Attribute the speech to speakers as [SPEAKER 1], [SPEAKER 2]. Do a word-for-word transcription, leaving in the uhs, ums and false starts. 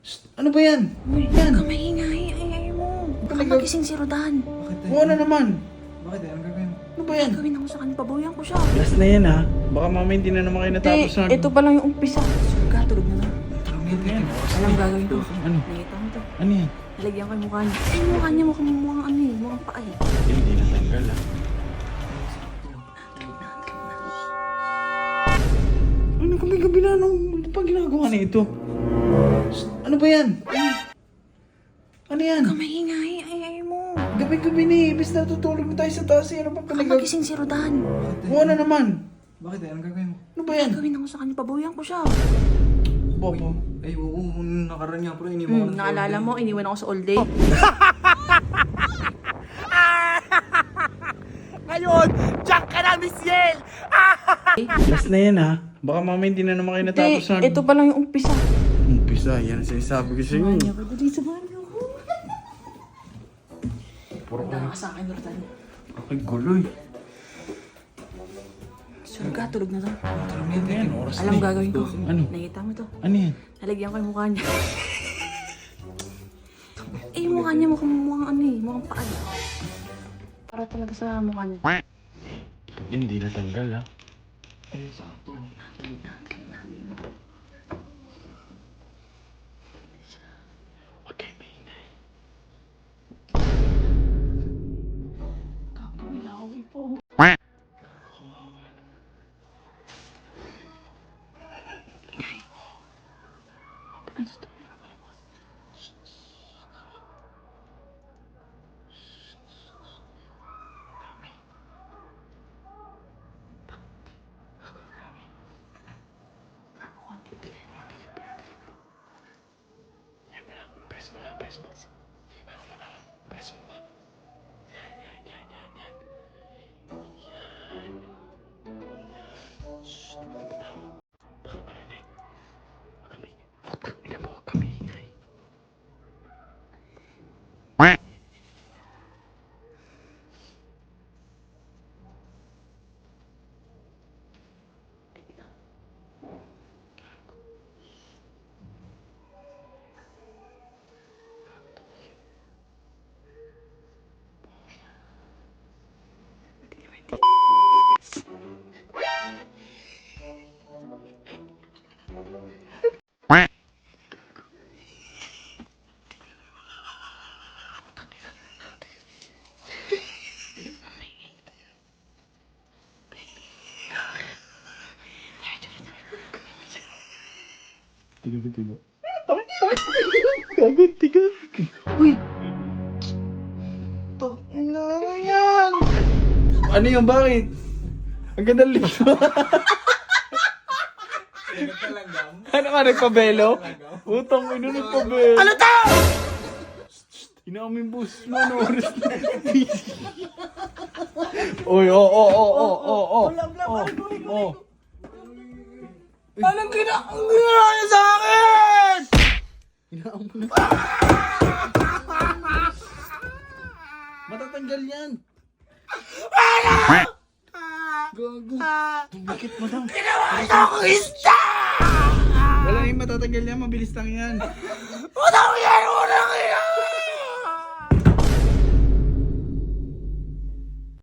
[SPEAKER 1] Shh, ano ba yan?
[SPEAKER 2] Uy,
[SPEAKER 1] Yan.
[SPEAKER 2] ka maingay. Ay, ay mo. Baka
[SPEAKER 1] Talaga?
[SPEAKER 2] magising si Rodan.
[SPEAKER 3] Bakit tayo?
[SPEAKER 1] Oo na naman.
[SPEAKER 3] Bakit tayo? Anong gagawin mo?
[SPEAKER 1] Ano ba yan?
[SPEAKER 2] Gawin ako sa kanya. Pabawian ko siya.
[SPEAKER 1] Last na yan ha. Baka mamaya hindi na naman kayo natapos na.
[SPEAKER 2] ito pa lang yung umpisa. Suga, tulog na lang.
[SPEAKER 3] Ano yan?
[SPEAKER 2] Alam gagawin ko.
[SPEAKER 1] Ano?
[SPEAKER 2] Nakita mo to.
[SPEAKER 1] Ano yan?
[SPEAKER 2] Nalagyan ko yung mukha niya. Ay, mukha niya mukhang mukhang ano eh. Mukhang paa eh.
[SPEAKER 1] Hindi na tanggal ha. Ano gabi-gabi na? Anong ano pa ginagawa na ito? Shh, ano ba yan? Ano yan?
[SPEAKER 2] Ka maingay. Ay, ay mo.
[SPEAKER 1] Gabi-gabi na eh. Ibis na tutulog na tayo sa taas. eh. Ano pa
[SPEAKER 2] Baka
[SPEAKER 1] pinag-
[SPEAKER 2] magising si Rodan.
[SPEAKER 1] Oo na naman.
[SPEAKER 3] Bakit tayo? Anong gagawin mo?
[SPEAKER 1] Ano ba yan?
[SPEAKER 2] Gawin ako sa kanya. Pabawian ko siya.
[SPEAKER 1] Bobo.
[SPEAKER 3] Ay, oo, nung nakaraan niya, pero iniwan ko
[SPEAKER 2] Hmm,
[SPEAKER 3] na sa
[SPEAKER 2] naalala
[SPEAKER 3] all
[SPEAKER 2] mo,
[SPEAKER 3] day.
[SPEAKER 2] iniwan ako sa all day.
[SPEAKER 4] Ngayon, Jack ka na, Miss Yel!
[SPEAKER 1] Last na yan ha. Baka mamaya hindi na naman kayo natapos na.
[SPEAKER 2] ito pa lang yung umpisa.
[SPEAKER 1] Umpisa. Yan ang sinasabi ko sa'yo.
[SPEAKER 2] Samahan niyo ako. Dali, samahan niyo ako.
[SPEAKER 1] Puro
[SPEAKER 2] Punta ka sa akin, Rodan.
[SPEAKER 1] Ay, guloy.
[SPEAKER 2] Suga, tulog na lang.
[SPEAKER 1] Ano yan? Oras
[SPEAKER 2] Alam
[SPEAKER 1] na eh.
[SPEAKER 2] gagawin ko.
[SPEAKER 1] Ano?
[SPEAKER 2] Nakita mo to.
[SPEAKER 1] Ano yan?
[SPEAKER 2] Nalagyan ko yung mukha niya. Eh, yung mukha niya mukhang mukhang ano eh. Mukhang paa eh. Para talaga sa mukha niya.
[SPEAKER 1] Hindi na tanggal ha.
[SPEAKER 3] Ay, sakto.
[SPEAKER 1] Okay, maingay.
[SPEAKER 2] Kakamilawi po. Ano to?
[SPEAKER 1] Press mo lang, press mo. Press mo ba? Yan, yan, yan, yan, yan. Yan. Shhh. Baka marinig. Huwag kami. Ina mo, huwag kami ingay. Tiga, tiga. Gagod, tiga. Uy! To, ano yan? Ano yung bakit? Ang ganda lips mo. Ano ka, nagpabelo? Utang mo, ino nagpabelo. Ano to? Inamin boss mo, ano oras na? Uy, oo, oo, oo, oo, oo. Oo, oo. Anong gina... Ang ginawa niya sa akin? Ginawa mo na. Matatanggal yan. Gago. Bakit mo daw? Ginawa niya ako ista! Wala yung matatanggal yan, mabilis lang yan.